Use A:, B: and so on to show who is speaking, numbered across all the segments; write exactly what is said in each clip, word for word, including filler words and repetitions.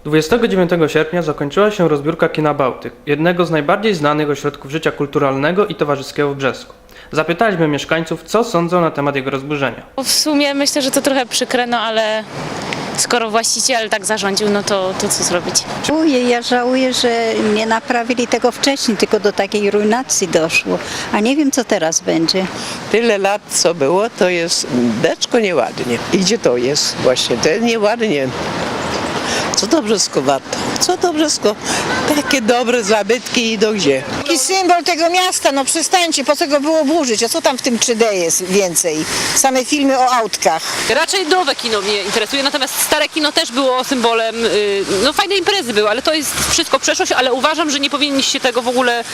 A: dwudziestego dziewiątego sierpnia zakończyła się rozbiórka Kina Bałtyk, jednego z najbardziej znanych ośrodków życia kulturalnego i towarzyskiego w Brzesku. Zapytaliśmy mieszkańców, co sądzą na temat jego rozburzenia.
B: W sumie myślę, że to trochę przykre, no ale skoro właściciel tak zarządził, no to, to co zrobić?
C: Żałuję, ja żałuję, że nie naprawili tego wcześniej, tylko do takiej ruinacji doszło. A nie wiem, co teraz będzie.
D: Tyle lat co było, to jest beczko nieładnie. I gdzie to jest właśnie? To jest nieładnie. Co to Brzesko warto? Co to Brzesko? Takie dobre zabytki idą gdzie?
E: Taki symbol tego miasta, no przestańcie, po co go było burzyć? A co tam w tym trzy D jest więcej? Same filmy o autkach.
F: Raczej nowe kino mnie interesuje, natomiast stare kino też było symbolem, yy, no fajne imprezy były, ale to jest wszystko przeszłość, ale uważam, że nie powinniście tego w ogóle,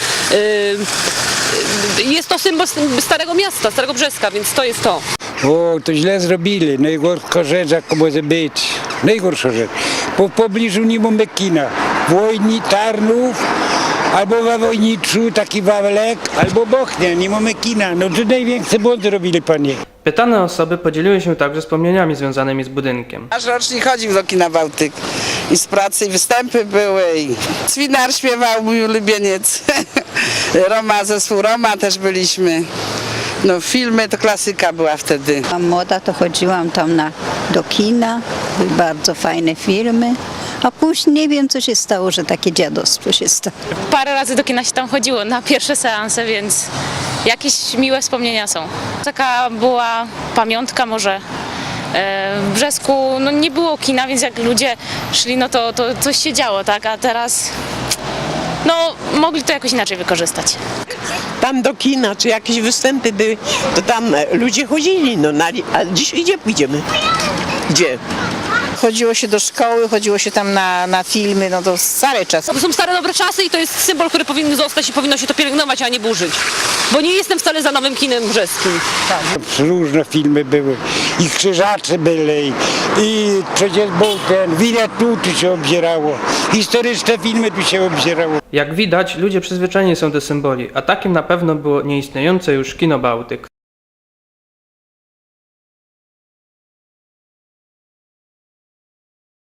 F: yy, jest to symbol starego miasta, starego Brzeska, więc to jest to.
G: O, to źle zrobili. Najgorsza rzecz, jaka może być. Najgorsza rzecz. Po w pobliżu nie mamy kina. Wojni, Tarnów, albo we Wojniczu taki Wawelek, albo Bochnia. Nie mamy kina. No to największy błąd zrobili, panie.
A: Pytane osoby podzieliły się także wspomnieniami związanymi z budynkiem.
H: Nasz rocznik chodził do kina Bałtyk i z pracy i występy były i Cwinar śpiewał, mój ulubieniec. Roma, zespół Roma też byliśmy. No filmy to klasyka była wtedy.
C: A młoda to chodziłam tam na, do kina, były bardzo fajne filmy. A później nie wiem, co się stało, że takie dziadostwo się stało.
B: Parę razy do kina się tam chodziło na pierwsze seanse, więc jakieś miłe wspomnienia są. Taka była pamiątka może. E, W Brzesku no, nie było kina, więc jak ludzie szli, no to, to coś się działo, tak? A teraz no, mogli to jakoś inaczej wykorzystać.
D: Tam do kina, czy jakieś występy były, to tam e, ludzie chodzili, no na, a dziś gdzie pójdziemy? Gdzie?
E: Chodziło się do szkoły, chodziło się tam na, na filmy, no to stare czasy.
F: To są stare, dobre czasy i to jest symbol, który powinien zostać i powinno się to pielęgnować, a nie burzyć. Bo nie jestem wcale za nowym kinem brzeskim.
G: Różne filmy były. I krzyżacze byli. I przecież był ten Winnetou tu się obzierało. Historyczne filmy tu się obzierało.
A: Jak widać, ludzie przyzwyczajeni są do symboli, a takim na pewno było nieistniejące już Kino Bałtyk.